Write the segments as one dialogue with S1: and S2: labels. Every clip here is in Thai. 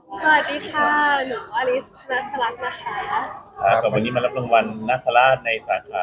S1: สวัสดีค่ะ หนูอลิสนัสลักษณ์นะคะ
S2: กับวันนี้มารับรางวัลนักคราชใน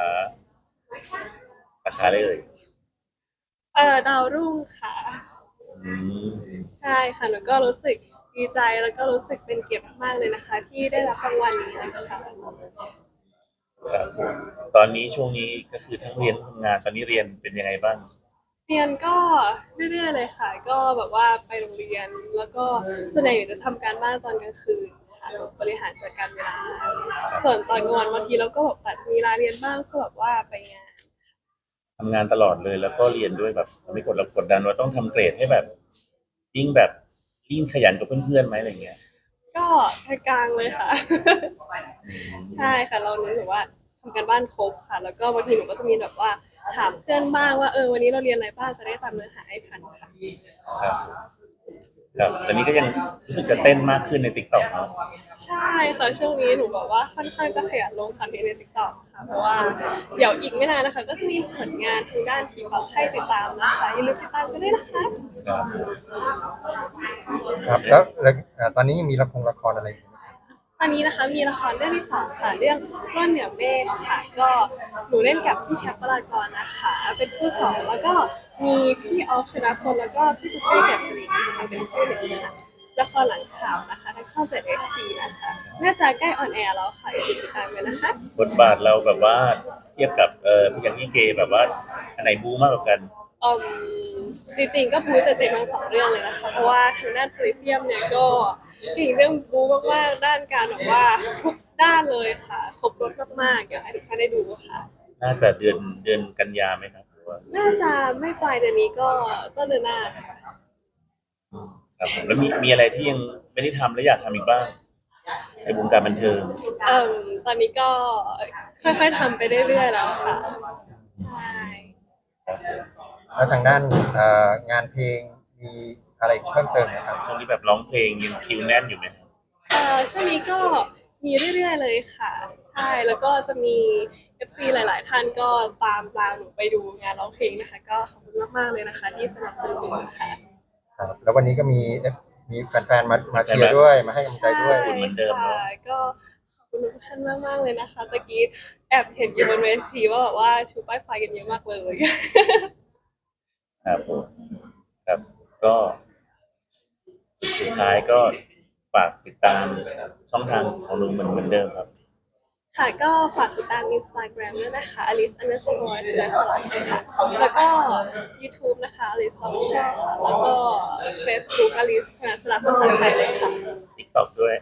S2: สาขาเลย
S1: ดาวรุ่งค่ะ
S2: อืม
S1: ใช่ค่ะหนูก็รู้สึกดีใจแล้วก็รู้สึกเป็นเกียรติมากๆเลยนะคะที่ได้รับรางวัลนี้นะคะ
S2: ครับผมตอนนี้ช่วงนี้ก็คือทั้งเรียนทั้งทำงานตอนนี้เรียนเป็นยังไงบ้าง
S1: เรียนก็เรื่อยๆเลยค่ะ ก็แบบว่าไปโรงเรียนแล้วก็ส่วนใหญ่จะทำการบ้านตอนกลางคืนค่ะบริหารจัดการเวลาส่วนตอนกลางวันบางทีเราก็แบบตัดมีเวลาเรียนบ้างเพื่อแบบว่าไปงาน
S2: ทำงานตลอดเลยแล้วก็เรียนด้วยแบบไม่กดดันว่าต้องทำเกรดให้แบบยิ่งแบบยิ่งขยันกับเพื่อนๆไหมอะไรเงี้ย
S1: ก็กลางๆเลยค่ะ
S2: อื
S1: ใช่
S2: ม
S1: ค่ะเรารู้สึกว่าทำการบ้านครบค่ะแล้วก็บางทีหนูก็จะมีแบบว่าถามเพื่อนบ้างว่าวันนี้เราเรียนอะไรบ้างจะได้ตามเนื้อหาให้ทันค่ะ
S2: ครับครับตอนนี้ก็ยังรู้สึกจะเต้นมากขึ้นในติ๊กต็อกเนาะ
S1: ใช่ค่ะช่วงนี้หนูบอกว่าค่อนข้างจะขยันลงคอนเทนต์ใน TikTok ค่ะเพราะว่าเดี๋ยวอีกไม่นานนะคะก็จะมีผลงานทางด้านทีป๊อปให้ติดตามนะคะอย่าลืมติดตามกันด้วยนะคะ
S2: ครับ
S3: ครับแล้วตอนนี้ยังมีละครอะไรอยู่ไหมครับ
S1: ตอนนี้นะคะมีละครเรื่องที่สองค่ะเรื่องร่อนเหนือเมฆค่ะก็หนูเล่นกับพี่แชมป์ปรากรนะคะเป็นคู่สองแล้วก็มีพี่ออฟชนะพลแล้วก็พี่ปุ๊กเป้เกิดสิรินะคะเป็นคู่หนึ่งค่ะละครหลังข่าวนะคะทางช่องเจ็ด HD นะคะน่าจะใกล้ออนแอร์แล้วค่ะอย่าลืมติดตามกันนะคะ
S2: บทบาทเราแบบว่าเทียบกับพี่อย่างที่เกย์แบบว่าอันไหนบูมากกว่ากัน
S1: อืจริงๆก็บู๊จะเต็มทั้งสองเรื่องเลยนะคะเพราะว่าทางด้านโพลิเซียมเนี่ยก็เก่งเรื่องบู๊มากๆด้านการแบบว่าทุกด้านเลยค่ะครบรถมากๆอยากให้ทุกท่านได้ดูค่ะ
S2: น่าจะเดือนกันยาไหมครับหรือว่า
S1: น่าจะไม่ปลายเดือนนี้ก็ต้นเดือนหน้าค่ะ
S2: ครับผมแล้วมีอะไรที่ยังไม่ได้ทำและอยากทำอีกบ้างในวงการบันเทิง
S1: ตอนนี้ก็ค่อยๆทำไปเรื่อยๆแล้วค่ะใช่
S3: แล้วทางด้านงานเพลงมีอะไรเพิ่มเติมไหมครับ
S2: ช่วงนี้แบบร้องเพลงยังคิวแน่นอยู่ไหมครับ
S1: ช่วงนี้ก็มีเรื่อยๆเลยค่ะใช่แล้วก็จะมี FC หลายๆท่านก็ตามหนูไปดูงานร้องเพลงนะคะก็ขอบคุณมากๆเลยนะคะที่สนับสนุนค่ะ
S3: ครับแล้ววันนี้ก็มีแฟนๆมา
S2: ใช่ไหม
S3: เชียร์ด้วยมาให้กำลังใจ
S1: ใช่
S3: ด้วย
S2: คุณเหมือนเดิม
S1: ค่ะ
S2: เนาะ
S1: ก็ขอบคุณทุกท่านมากๆเลยนะคะตะกี้แอบเห็นอยู่บนเวทีว่าแบบว่าชูป้ายไฟกันเยอะมากเลย
S2: ครับผมครับก็สุดท้ายก็ฝากติดตามช่องทางของลุงเหมือนเดิมครับ
S1: ค่ะก็ฝากติดตาม Instagram ด้วยนะคะ alice underscore ธนสลักค่ะแล้วก็ YouTube นะคะ alice official ค่ะแล้วก็ Facebook alice ธนสลักภาษาไทยเลยค่ะ
S2: ติ๊กต็อกด้วย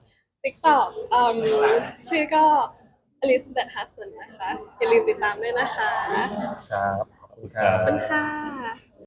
S1: TikTok ชื่อก็ Elizabeth Hudson นะคะอย่าลืมติดตามด้วยนะคะ
S3: ครับขอบคุณครั
S2: ครั
S1: ขอบคุณ
S3: บ
S1: ค่ะ